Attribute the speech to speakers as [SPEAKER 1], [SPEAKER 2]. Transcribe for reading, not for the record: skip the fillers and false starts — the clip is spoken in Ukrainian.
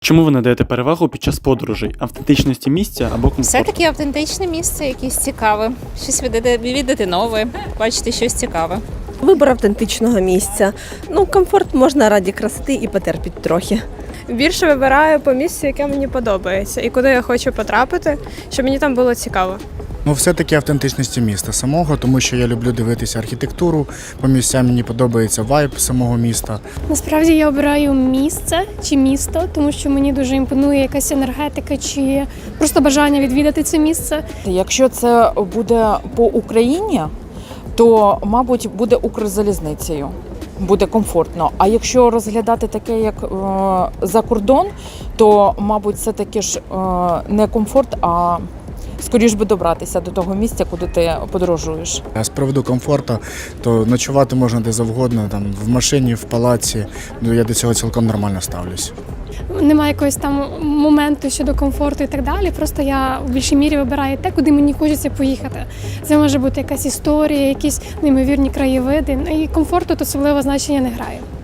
[SPEAKER 1] Чому ви надаєте перевагу під час подорожей? Автентичності місця або комфорту?
[SPEAKER 2] Все-таки автентичне місце, якесь цікаве. Щось відвідати нове, бачити щось цікаве.
[SPEAKER 3] Вибір автентичного місця. Комфорт можна раді красоти і потерпіти трохи.
[SPEAKER 4] Більше вибираю по місцю, яке мені подобається, і куди я хочу потрапити, щоб мені там було цікаво.
[SPEAKER 5] Все-таки автентичності міста самого, тому що я люблю дивитися архітектуру, по місцям мені подобається вайб самого міста.
[SPEAKER 6] Насправді я обираю місце чи місто, тому що мені дуже імпонує якась енергетика чи просто бажання відвідати це місце.
[SPEAKER 7] Якщо це буде по Україні, то, мабуть, буде Укрзалізницею. Буде комфортно. А якщо розглядати таке, як за кордон, то, мабуть, це таки ж не комфорт, а скоріш би добратися до того місця, куди ти подорожуєш.
[SPEAKER 5] А з приводу комфорту, то ночувати можна де завгодно, там, в машині, в палаці. Я до цього цілком нормально ставлюсь.
[SPEAKER 6] Немає якогось там моменту щодо комфорту і так далі. Просто я в більшій мірі вибираю те, куди мені хочеться поїхати. Це може бути якась історія, якісь неймовірні краєвиди. І комфорту тут особливо значення не грає.